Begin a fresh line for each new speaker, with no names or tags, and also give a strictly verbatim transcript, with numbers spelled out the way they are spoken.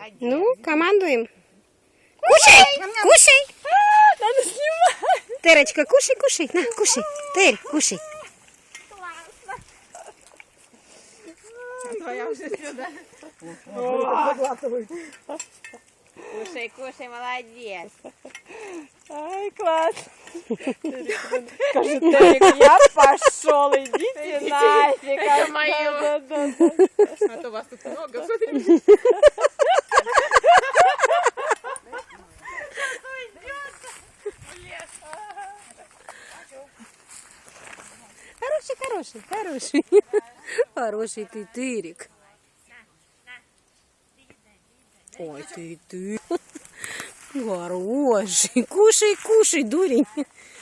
Ну, командуем. Кушай, кушай.
Надо снимать.
Терочка, кушай, кушай. На, кушай. Терь, кушай.
Твоя уже сюда. Кушай, кушай, молодец. Ай, класс. Скажи, Терик, я пошел, идите нафиг.
Это мое.
Да, да, да.
А то вас тут много, смотри.
Хороший, хороший, хороший. Хороший ты, Тырик. Ой, ты, ты. Хороший. Кушай, кушай, дурень.